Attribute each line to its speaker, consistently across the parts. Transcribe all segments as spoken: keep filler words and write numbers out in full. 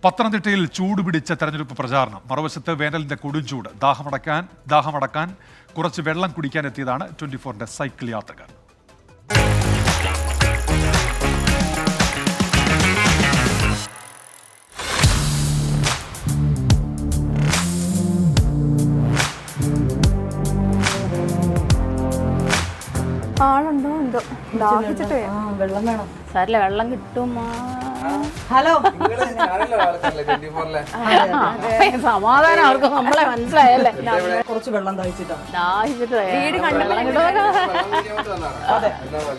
Speaker 1: പത്തനംതിട്ടയിൽ ചൂടുപിടിച്ച തെരഞ്ഞെടുപ്പ് പ്രചാരണം. മറുവശത്ത് വേനലിന്റെ കൊടുംചൂട്. ദാഹമടക്കാൻ ദാഹമടക്കാൻ കുറച്ച് വെള്ളം കുടിക്കാൻ എത്തിയതാണ് ട്വന്റി ഫോറിന്റെ സൈക്കിൾ യാത്രക്കാർ.
Speaker 2: ആളുണ്ടോ എന്തോ ദാഹിച്ചിട്ട് വെള്ളം വേണം. സാരില്ല, വെള്ളം കിട്ടും. ഹലോ, സമാധാനം അവർക്ക് നമ്മളെ മനസ്സിലായല്ലേ.
Speaker 3: കുറച്ച് വെള്ളം ദാഹിച്ചിട്ടാണ്
Speaker 2: ദാഹിച്ചിട്ട് വീട് കണ്ടു.
Speaker 3: അതെ.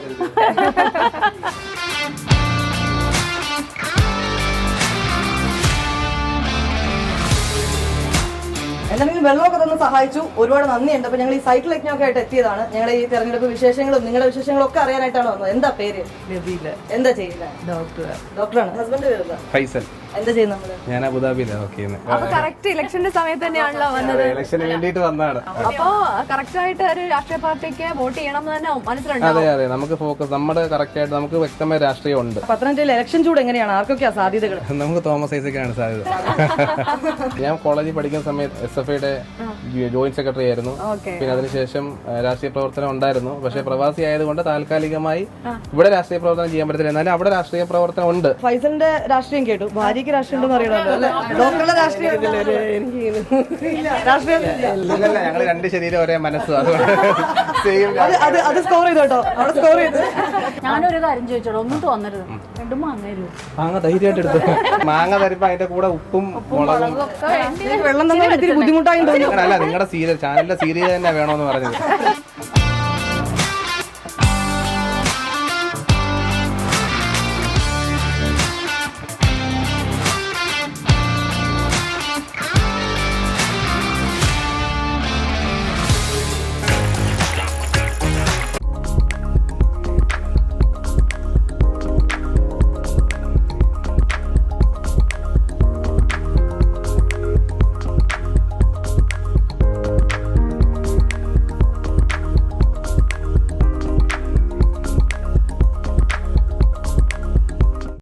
Speaker 3: എന്തായാലും വെള്ളമൊക്കെ തന്നെ സഹായിച്ചു, ഒരുപാട് നന്ദിയുണ്ട്. അപ്പൊ ഞങ്ങൾ ഈ സൈക്കിൾ യജ്ഞമൊക്കെ ആയിട്ട് എത്തിയതാണ്. ഞങ്ങൾ ഈ തെരഞ്ഞെടുപ്പ് വിശേഷങ്ങളും നിങ്ങളുടെ വിശേഷങ്ങളും ഒക്കെ അറിയാനായിട്ടാണ് വന്നത്. എന്താ പേര്? എന്താ ചെയ്യുന്നത്? ഡോക്ടർ. ഡോക്ടറാണ്. ഹസ്ബൻഡ് പേര്
Speaker 4: ഫൈസൽ.
Speaker 3: എന്താ ചെയ്യുന്നത്? നമ്മള്
Speaker 4: ഞാൻ അബുദാബിയിലാണ് വർക്ക് ചെയ്യുന്നത്.
Speaker 2: അപ്പൊ കറക്റ്റ് ഇലക്ഷന്റെ സമയത്ത് തന്നെയാണല്ലോ വന്നത്.
Speaker 4: ഇലക്ഷന് വേണ്ടിയിട്ട് വന്നതാണ്.
Speaker 2: അപ്പൊ കറക്റ്റ് ആയിട്ട് ഒരു രാഷ്ട്രീയ പാർട്ടിക്ക് വോട്ട് ചെയ്യണം എന്ന് തന്നെ മനസ്സിലുണ്ട്.
Speaker 4: അതെ അതെ, നമുക്ക് ഫോക്കസ് നമ്മുടെ കറക്റ്റ് ആയിട്ട് നമുക്ക് വ്യക്തമായ രാഷ്ട്രീയം ഉണ്ട്.
Speaker 3: പത്തനംതിട്ടയിൽ ഇലക്ഷൻ ചൂട് എങ്ങനെയാണ്? ആർക്കൊക്കെയാ സാധ്യതകൾ?
Speaker 4: നമുക്ക് തോമസ് ഐസക്കാണ് സാധ്യത. ഞാൻ കോളേജിൽ പഠിക്കുന്ന സമയത്ത് എസ് എഫ് ഐയുടെ ജോയിന്റ് സെക്രട്ടറി ആയിരുന്നു. പിന്നെ അതിനുശേഷം രാഷ്ട്രീയ പ്രവർത്തനം ഉണ്ടായിരുന്നു. പക്ഷേ പ്രവാസി ആയതുകൊണ്ട് താൽക്കാലികമായി ഇവിടെ രാഷ്ട്രീയ പ്രവർത്തനം ചെയ്യാൻ പറ്റത്തില്ല. എന്നാലും അവിടെ രാഷ്ട്രീയ പ്രവർത്തനം ഉണ്ട്.
Speaker 3: ഫൈസലിന്റെ രാഷ്ട്രീയം കേട്ടു, ഭാര്യക്ക് രാഷ്ട്രീയം ഉണ്ടെന്ന് അറിയണമല്ലോ അല്ലെ? ഡോക്ടറുടെ രാഷ്ട്രീയം രാഷ്ട്രീയം
Speaker 4: ഞങ്ങൾ രണ്ട് ശരീരം ഒരേ മനസ്സും, അതുകൊണ്ട്
Speaker 3: അത് സ്കോർ ചെയ്തു കേട്ടോ. അവിടെ സ്കോർ ചെയ്തു.
Speaker 2: ഞാനൊരു കാര്യം ചോദിച്ചോളൂ, ഒന്നും തോന്നരുത്. രണ്ടും മാങ്ങ
Speaker 4: മാങ്ങ ധൈര്യമായിട്ട് എടുത്തു. മാങ്ങ തരുമ്പോ അതിന്റെ കൂടെ ഉപ്പും മുളകും
Speaker 3: വെള്ളം തന്നെ ഇത്തിരി ബുദ്ധിമുട്ടായി തോന്നി.
Speaker 4: അല്ല, നിങ്ങളുടെ സീരിയൽ ചാനലിന്റെ സീരിയൽ തന്നെ വേണോന്ന് പറഞ്ഞത്.